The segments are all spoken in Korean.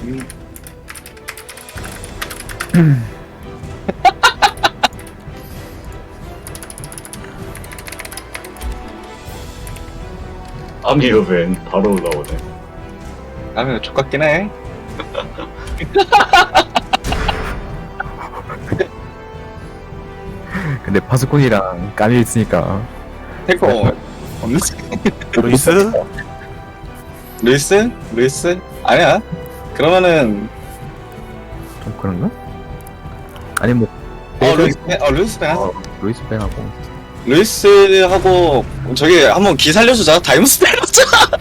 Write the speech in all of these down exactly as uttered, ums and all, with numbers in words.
아미르벤 바로 올라오네. 라면 족같긴 해. 근데 파수꾼이랑 까미 있으니까 탱커 없는 루이스? 루이스? 루이스? 아니야. 그러면은 좀 그런가? 아니 뭐 어 루이스 뱅- 어 루이스 뱅 하자. 어, 루이스 뱅하고 루이스하고 저기 한번 기 살려주자. 다이무스 뱅 하자.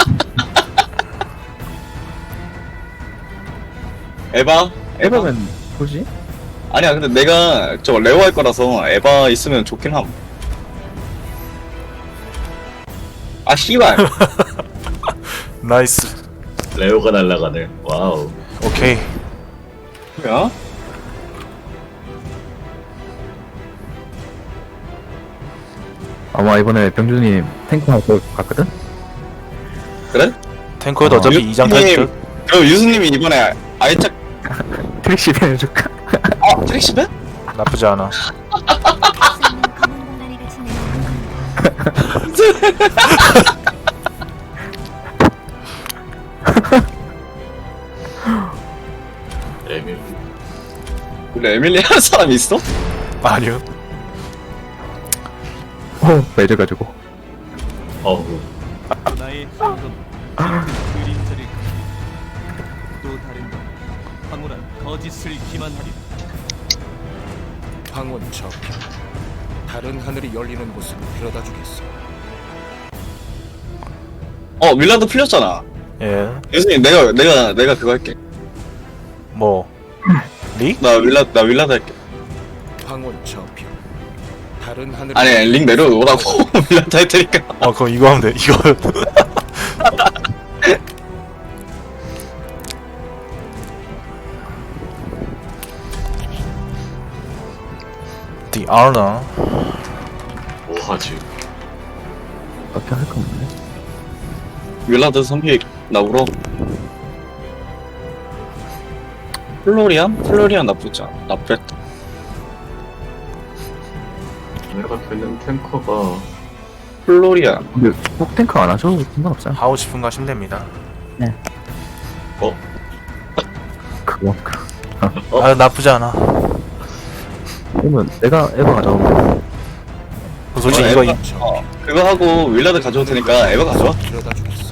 에바? 에바? 에바면 뭐지? 아니야 근데 내가 저 레오 할 거라서 에바 있으면 좋긴 함. 아 씨발. 나이스. 레오가 날아가네. 와우. 오케이. 뭐야? 아마 이번에 병준님 탱크 할거 같거든? 그래? 탱커에도 어, 어차피 유- 이장 유수님, 탈출. 그럼 유수님이 이번에 아이짝 트릭시 해줄까? 아 트릭시벤? 나쁘지 않아. 에밀. 우리 에밀리 하는 사람 있어? 아니요. 어 매져가지고 어우. 나의 행동 그림자를 또 다른 건 황홀한 거짓을 기만하리. 황혼처 다른 하늘이 열리는 곳으로 데려다 주겠어. 어 윌라드 풀렸잖아. 예. 유수님 내가 내가 내가 그거 할게. 뭐 리? 나 윌라 나 윌라드 할게. 황혼처표 다른 하늘이 아니 링 내려오라고 윌라드 할 테니까. 어 그럼 이거 하면 돼. 이거. The honor. 뭐하지? 어떻게 할 거 없네. 윌라드 선픽 나오러. 플로리안? 플로리안 나쁘지 않아. 나쁘겠다. 내가 되는 탱커가 플로리안. 근데 꼭 탱크 안 하셔도 상관없어요. 하고 싶은 거 하시면 됩니다. 그거 그 아 나쁘지 않아. 그러면 내가 에바 가져오면 그 솔직히 어, 이거 에바, 이- 어, 그거 하고 윌라드 가져올 테니까 에바 가져와. 데려다 주겠어.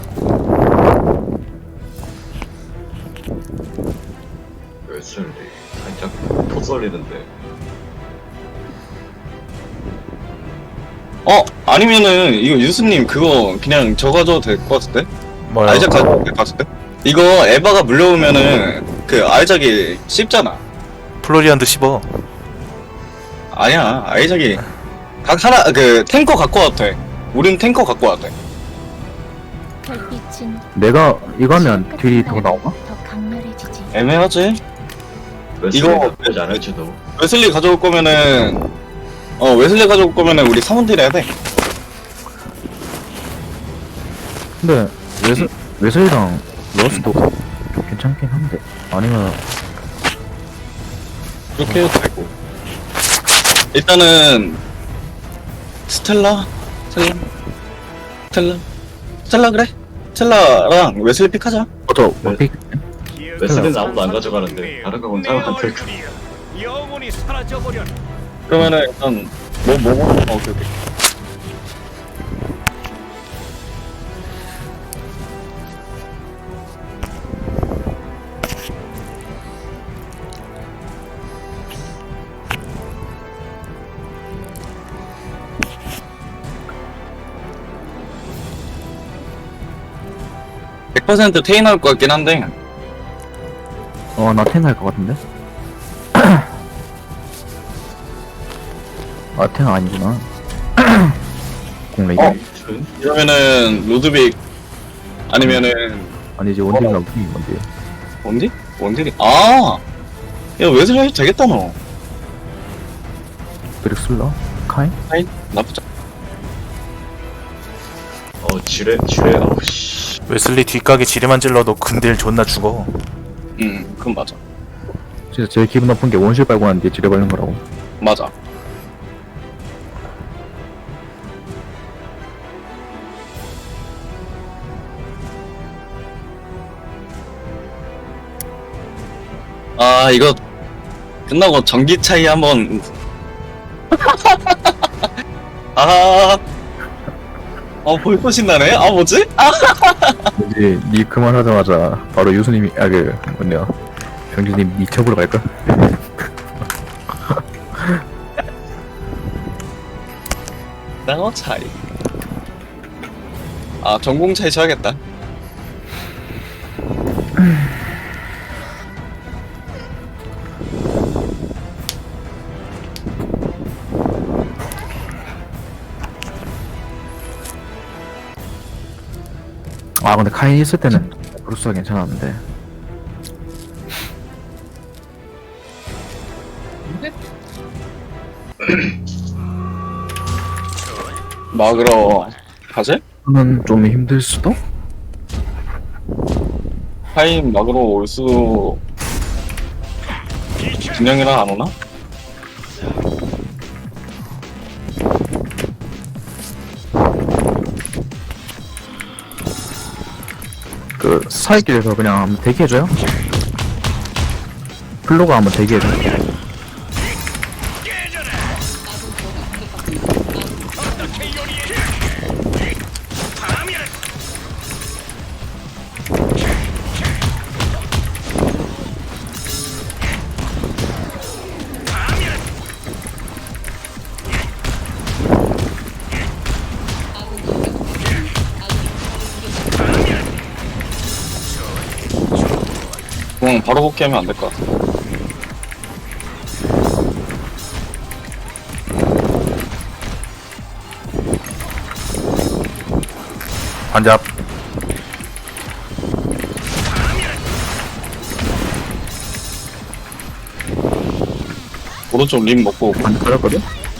웨슬리 살짝 토 썰리는데. 어 아니면은 이거 유수님 그거 그냥 저 가져도 될 것 같은데? 뭐야? 아이작 가져도 될 것 같은데? 이거 에바가 물려오면은 그 아이작이 씹잖아. 플로리안드 씹어. 아니야 아이작이 각 하나 그 탱커 갖고 와도 돼. 우린 탱커 갖고 와도 돼. 별빛은 내가 이거 하면 딜이 더 나오나? 더 강렬해지지. 애매하지? 웨슬리가 이거- 나쁘지 않을지도. 웨슬리 가져올 거면은 어 웨슬리 가져올 거면은 우리 사원딜 해야 돼. 근데 웨슬 웨슬이랑 러스도 좀 괜찮긴 한데 아니면 그렇게 해도 되고. 일단은 스텔라? 스텔라? 스텔라? 스텔라 그래? 스텔라랑 웨슬리 픽하자. 어저 원픽 웨슬리는 아무도 안 가져가는데 다른 거 혼자만 들고. 영원히 사라져 버려. 그러면은 일단 뭐 뭐 뭐? 어 오케이 오케이. 백 퍼센트 테이 나올 것 같긴 한데 어나 텐 할 것 같은데? 아 텐 아니구나. 공레이 어? 준? 이러면은 로드빅 아니면은 아니지 원딜이랑 무슨 건데? 원딜? 원딜이 아! 야 웨슬리 해도 되겠다 너. 브릭슬러 카인? 아이 나쁘지 어 지뢰 지뢰. 어우 씨. 웨슬리 뒷가게 지뢰만 찔러도 근딜 존나 죽어. 음, 그건 맞아. 진짜 제일 기분 나쁜 게 원실 빨고 난 뒤에 지뢰 걸린 거라고. 맞아. 아, 이거 끝나고 전기 차이 한번. 아, 어, 벌써 신나네? 아, 뭐지? 아, 이제 니 그만하자마자 바로 유수님이 아 그 뭐냐 병준님 니 첩으로 갈까? 나노 차이. 아, 전공 차이 쳐야겠다. 아 근데 카인 있을 때는 브루스가 괜찮았는데. 막으러 가지? 저는 좀 힘들 수도? 하임 막으러 올 수도. 진영이랑 안 오나? 그 사이길에서 그냥 한번 대기해줘요? 플로가 한번 대기해줘. 그냥 바로 복귀하면 안 될 것 같아. 반잡. 오른쪽 림 먹고 오고. 안 걸렸거든?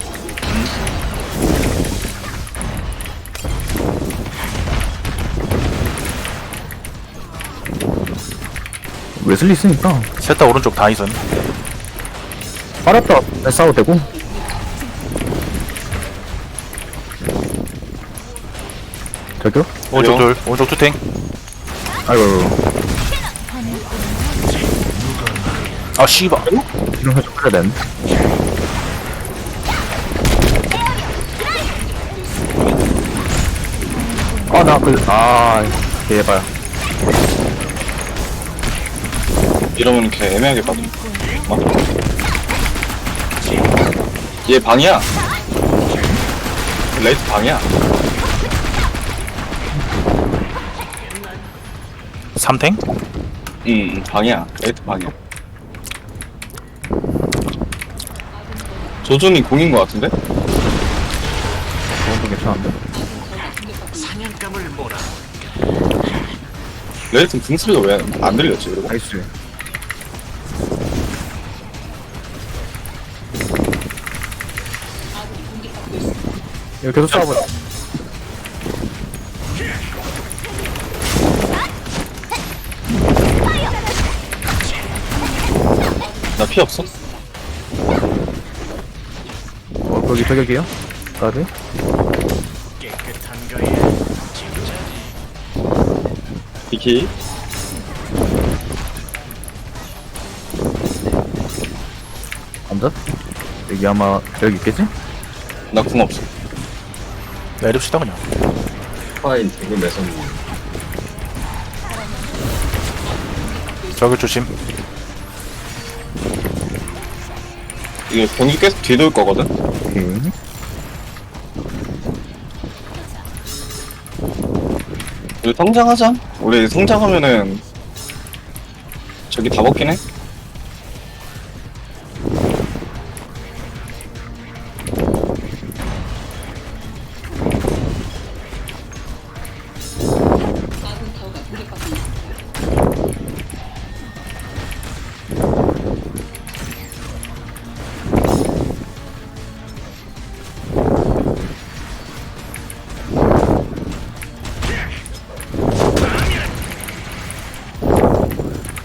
웨슬리 있으니까 셋 다 오른쪽 다 있음. 빨았다 싸워도 되고. 저기요? 오른쪽 둘, 오른쪽 투탱. 아이고 아 씨발. 이런 거좀 그래야 되는데. 아나 그.. 아 제발. 이러면 이렇게 애매하게 빠져. 어? 얘 방이야. 레이트 방이야. 삼탱? 응, 응, 방이야. 레이트 방이야. 조준이 공인 것 같은데? 그건 좀 괜찮은데? 레이트 등 소리가 왜 안 들렸지, 그리고? 나이스. 이거 계속 싸워보자. 나 피 없어? 어, 거기 저격이요? 까비? 비키. 앉아? 여기 아마 여기 있겠지? 나 궁 없어. 내립시다 그냥. 파인 대구 매선 저기 조심. 이게 병기 계속 뒤돌 거거든? 오케이. 우리 성장하자. 우리 성장하면은 저기 다 먹긴 해.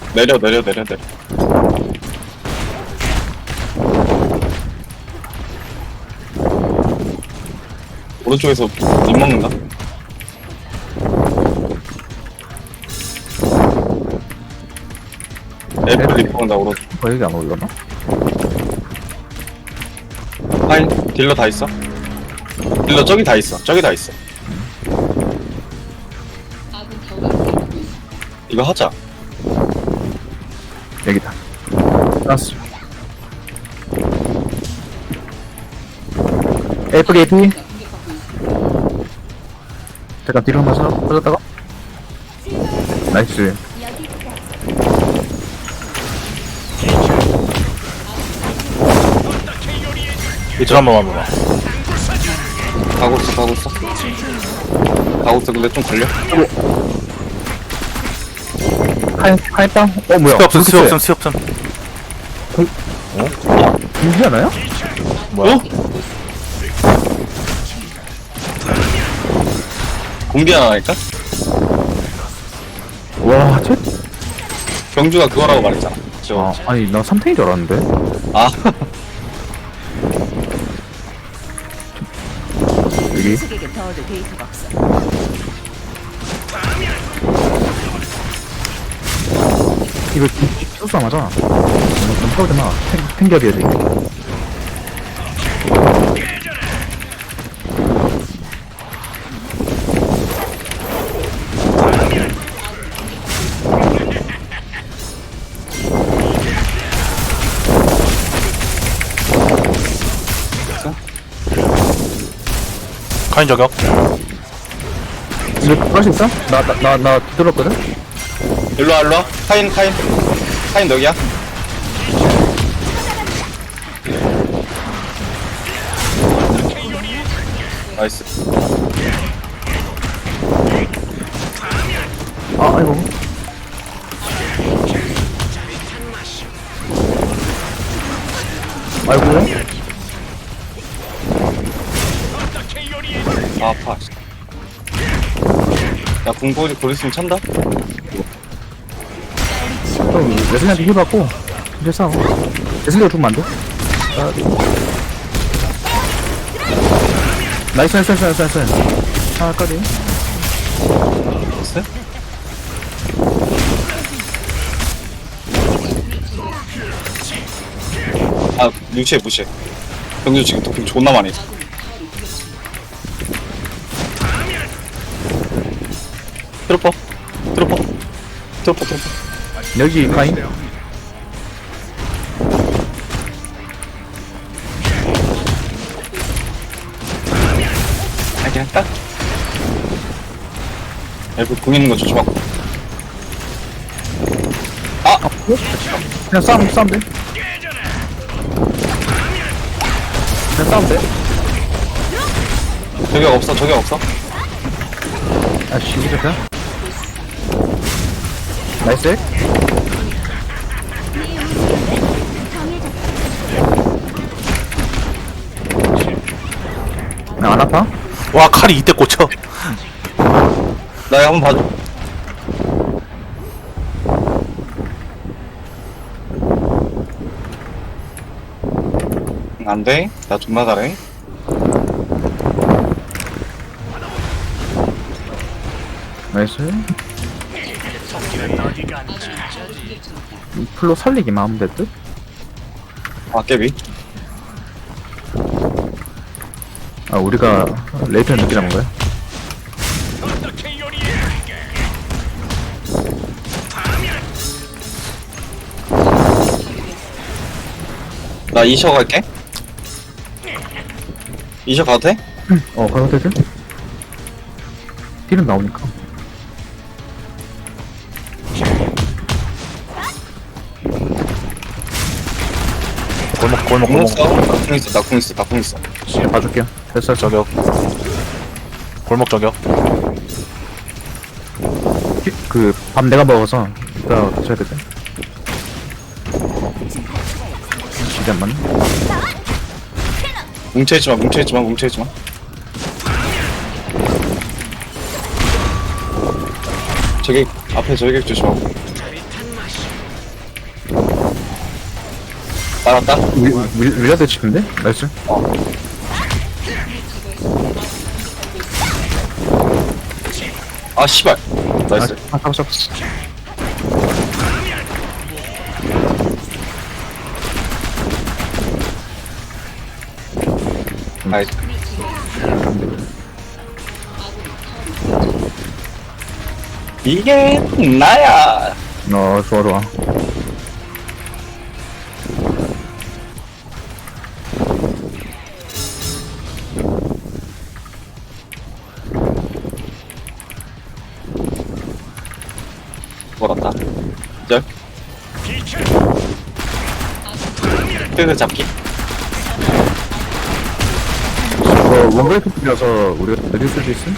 내려 내려 내려 내려. 오른쪽에서 못 먹는다. 애플 리포한다 오른쪽. 어, 여기 안 올려나? 하인 딜러 다 있어. 딜러 저기 다 있어. 저기 다 있어. 이거 하자. 여기다. 알았어. 에이프 게이피. 잠깐 뒤로 한번 서 빠졌다가. 나이스. 이쪽 한 번만 봐봐. 가고 있어 가고 있어. 가고 있어. 근데 좀 걸려. 하이, 하이빵? 어, 뭐야? 스 없음, 스 없음, 스 없음. 인지 않아요? 뭐야? 어? 공비 하나 할까? 와, 쟤? 경주가 그거라고 말했잖아. 저 아, 아니, 나 삼탱인 줄 알았는데. 아. 여기. 측에게 더 얻을 데이터가 없어. 이거 수수하잖아. 좀 타오잖아. 탱겹이야지. 카인 저격. 이거 그럴 수 있어? 나, 나, 나, 나 들었거든? 일로와 일로와. 카인 카인. 카인 너기야. 나이스. 아, 아이고. 아이고. 아 아파. 야 공포지 곧 있으면 찬다. 형, 레슬리한테 힐 받고, 이제 싸워. 레슬리가 죽으면 안 돼? 아, 나이스, 나이스, 나이스, 나이스, 나이스. 아, 까비. 됐어? 아 무시해 무시해. 경주 지금 도핑 존나 많이 했어. 트로퍼 트로퍼 트로퍼 트로퍼. 여기 카인. 아 그냥 딱. 엘프 공 있는 거 조심하고. 아! 그냥 싸움, 싸움 돼. 그냥 싸움 돼. 저격 없어 저격 없어. 아, 씨, 이거 좋다. 나이스. 나 안 아파? 와, 칼이 이때 꽂혀. 나 이거 한번 봐줘. 안돼. 나 존나 잘해. 나이스. 이 풀로 살리기만 하면 될 듯? 아 깨비. 아, 우리가 레이튼 늦게 잡은 거야? 나 이셔 갈게. 이셔 가도 돼? 어, 가도 되지? 딜은 나오니까. 골목, 골목, 공 골목. 있어. 나궁 있어. 나궁 있어. 나궁 있어. 그냥 봐줄게요. 됐어, 됐어. 저격. 골목 저격. 그, 밥 내가 먹어서, 이따 같이 해야 되지? 진짜 안 맞네? 뭉쳐있지마. 뭉쳐있지마. 뭉쳐있지마. 저기 앞에 저격 조심하고. 알았다. 윌라드 치는데? 나이스. 아 씨발. 나이스. 아, 잡았어, 잡았어. 나이스. 이게 나야. 어, 좋아, 좋아. 걸었다. 절. 뜨그 잡기. 이거 원브레이크 필이라서 우리가 내릴 수도 있음?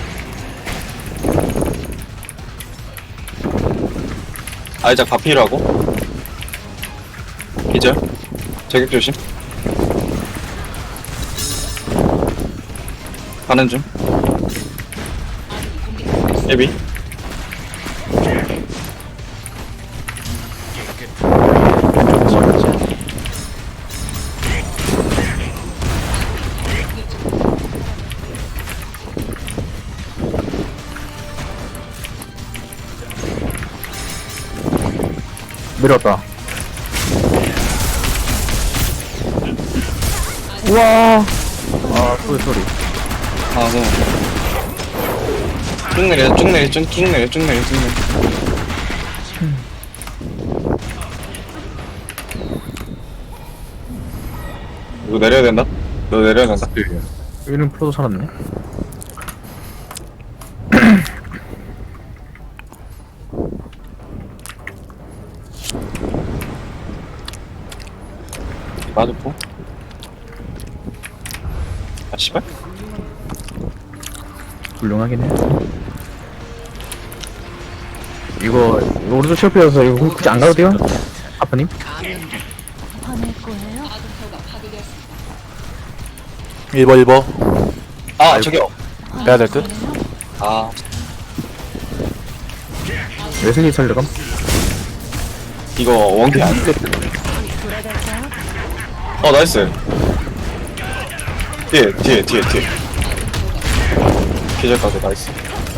아이작 바피라고. 기절. 저격 조심. 가는 중. 예비. 내려왔다. 우와. 아, 소리, 소리. 아, 네. 쭉 내려, 쭉 내려, 쭉, 쭉 내려, 쭉 내려, 쭉 내려. 이거 내려야 된다? 너 내려야 된다. 일은 프로도 살았네. 맞았고. 아, 씨발. 훌륭하긴 해. 이거, 이거 오른쪽 실패여서 이거 굳이 안 가도 돼요? 아빠님? 화낼 거예요? 일 번 일 번 아, 저기요. 빼야 될 듯? 아, 웨슬리 살려감? 이거 원ኪ 안 돼. 어, 나이스. 뒤에, 뒤에, 뒤에, 뒤에. 기절까지 나이스.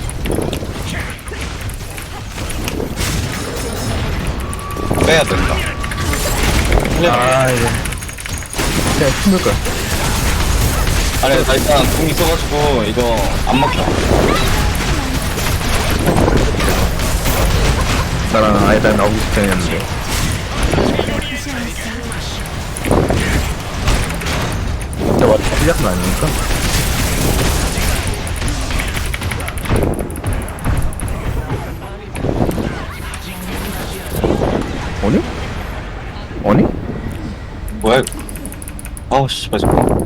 빼야 된다. 아, 이거. 진짜 힘들 거야. 아니, 나 일단 궁 있어가지고, 이거 안 먹혀. 나랑 아예 다 나오기 직전이었는데. 진짜 완전 틀렸은 아닙니까? 아니? 아니? 뭐야, 이거. 아우, 씨발, 잠깐.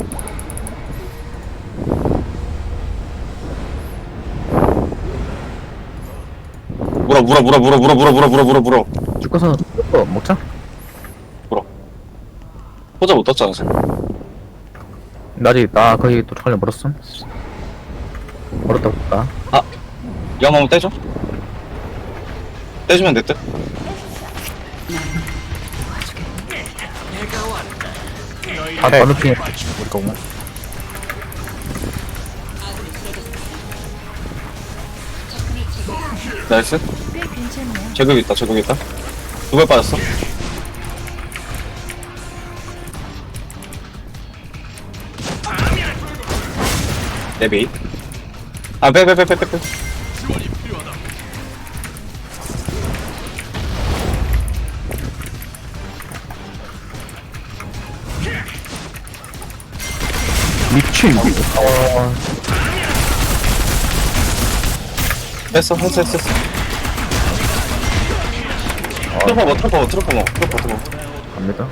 물어, 물어, 물어, 물어, 물어, 물어, 물어, 물어, 물어, 물어. 쭉 가서 어, 먹자. 호자 못 떴잖아, 지금. 나 아직 나 거기 또 털려 멀었음. 멀었다 볼까? 이거 한번 떼줘. 떼주면 될 듯. 다 해. 반대핑에 우리 거구나. 나이스. 꽤 괜찮네요. 제격 있다, 제격 있다. 두 발 빠졌어. 네비. 아, 빼, 빼, 빼, 빼, 빼, 빼. 미친. 어, 했어, 했어, 했어, 했어. 트로퍼 뭐, 트로퍼 뭐, 트로퍼 뭐, 트로퍼, 트로퍼. 갑니다.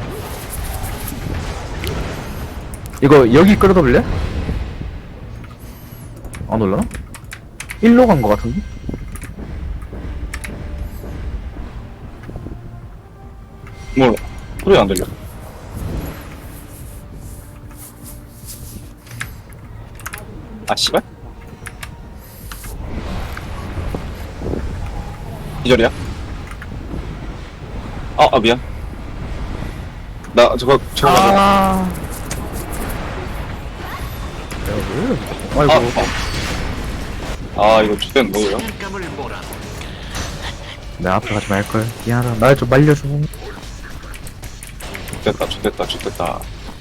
이거 여기 끌어다볼래? 안 올라나? 일로 간 거 같은데? 몰라. 소리 안 들려. 아, 씨발? 기절이야? 아, 아, 미안. 나 저거 저거 맞아. 아. 야, 왜? 아이고. 아, 아 이거 주된 뭐예요? 내 앞에 가지 말걸. 미안하다. 날 좀 말려줘. 좋됐다 좋됐다 좋됐다.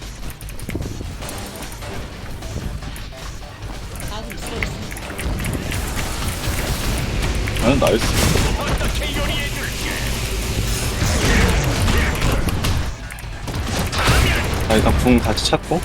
아 나이스. 자 일단 궁 다시 찾고.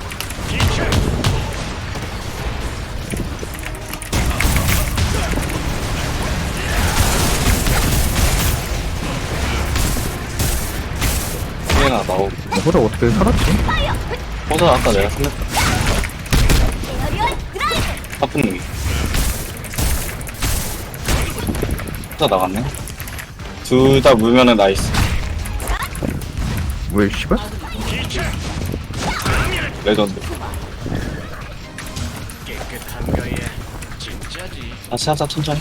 얘나 나오고. 너보다 어떻게 살았지? 호자 아까 내가 살렸다. 아픈 놈이. 호자 나갔네. 둘 다 물면은 나이스. 왜, 씨발? 레전드. 다시 하자 천천히.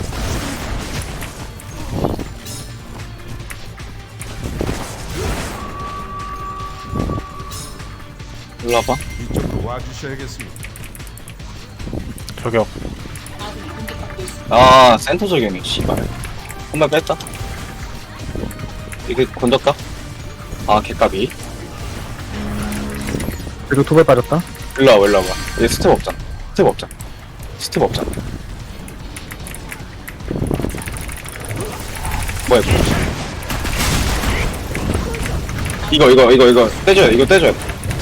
일로 와봐. 이쪽으로 와주셔야겠습니다. 저격. 아 센터 적용이 씨발. 한발 뺐다. 이게 건졌다. 아 개까비. 그리고 두 발 빠졌다. 일로 와봐 일로 와봐. 얘 스텝 없잖아. 스텝 없잖아. 스텝 없잖아. 뭐야 이거 이거 이거 이거 떼줘야 돼. 이거 떼줘야 돼.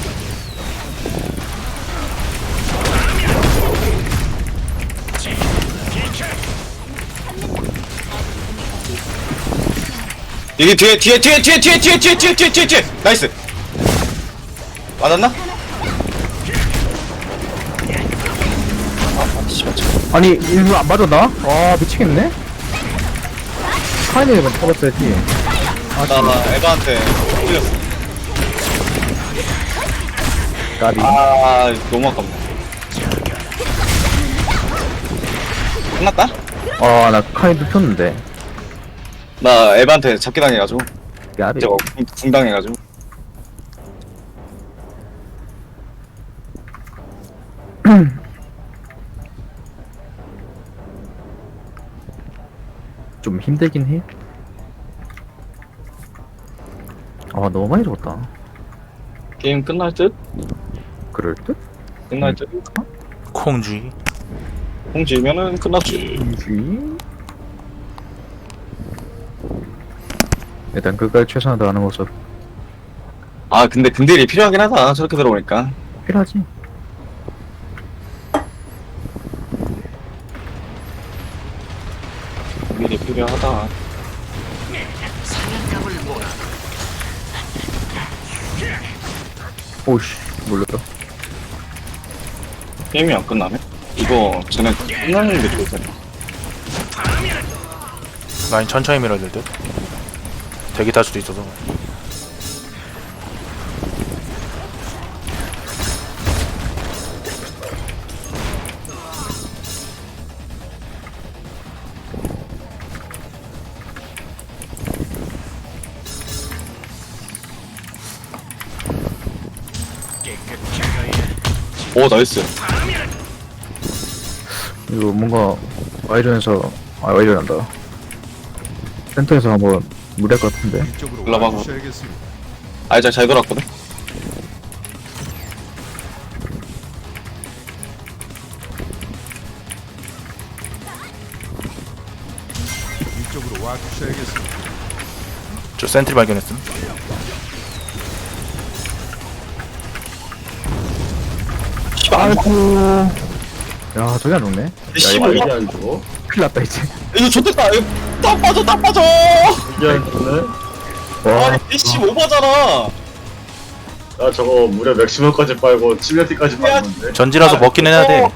여기 뒤에 뒤에 뒤에 뒤에 뒤에 뒤에 뒤에 뒤에 뒤에 뒤에 뒤에 나이스. 맞았나? 아 씨발 참. 아니, 이거 안 맞았나? 아, 미치겠네? 카이네를 먼저 잡았어야지. 아, 나, 나 에바한테 뚫렸어. 까비. 아 너무 아깝네. 끝났다? 아, 나 카이도 폈는데. 나 에바한테 잡기 당해가지고 까비. 저거 궁- 궁 당해가지고. 좀 힘들긴 해. 아, 너무 많이 죽었다. 게임 끝날 듯? 그럴 듯? 끝날 듯? 콩쥐. 공 지면은 끝났지. 이지. 일단 끝까지 최선을 다하는 모습 아 근데 근딜이 필요하긴 하다. 저렇게 들어오니까. 필요하지. 근딜이 필요하다. 오씨, 몰랐다. 게임이 안 끝나네? 이거 쟤네 끝나는 게 좋을 텐데. 라인 천천히 밀어야 될 듯. 대기 탈 수도 있어서. 오 나이스. 이거 뭔가 와이전에서 아 와이전 한다. 센터에서 한번 무리할 것 같은데. 이쪽으로 올라가고. 와주셔야겠습니다. 아이작 잘 돌았거든? 이쪽으로 와주셔야겠습니다. 저 센트리 발견했음. 씨발 안 죽어. 아이고. 야, 저기 안 죽네. 씨발 이게 이거 안 죽어? 큰일 났다 이제. 이거 좋댔다. 이거 딱 빠져 딱 빠져. 이게 안 죽네? 와, 아니 이씨 오버잖아. 나 저거 무려 맥시멈까지 빨고 치명티까지 빨았는데? 전지라서 먹기는 해야 돼.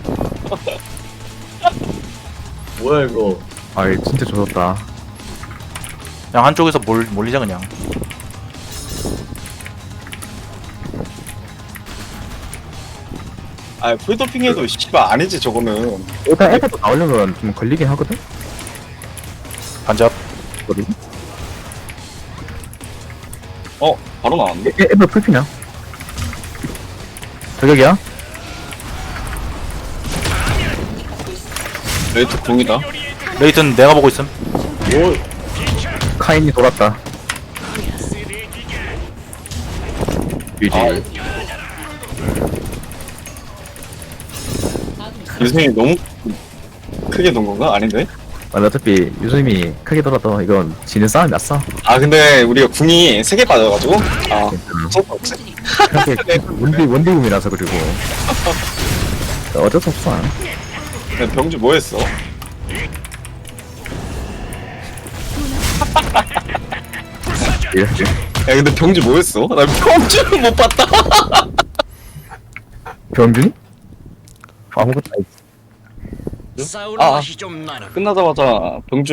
뭐야 이거? 아이 진짜 좋았다. 그냥 한쪽에서 몰, 몰리자 그냥. 아 풀도핑해도 씨발 아니지 저거는. 일단 애들도 나오려면 좀 걸리긴 하거든. 반잡. 거리. 어 바로 나왔는데? 에, 에버 풀피냐? 저격이야? 레이트 공이다. 레이튼 내가 보고 있음. 뭐 카인이 돌았다. 유지. 아. 유승이 너무 크게 돈 건가? 아닌데? 아, 어차피 유수님이 크게 돌아도 이건 지는 싸움이 났어. 아 근데 우리가 궁이 세 개 빠져가지고 아 어쩔 수 없지. 그렇게 원디 원디금이라서 그리고 어쩔 수 없어. 근데 병주 뭐 했어? 이렇게 야 근데 병주 뭐 했어? 나 병주를 못 봤다. 병준이? 아무것도 안 싸울 아. 맛이 좀 나는. 끝나자마자 병주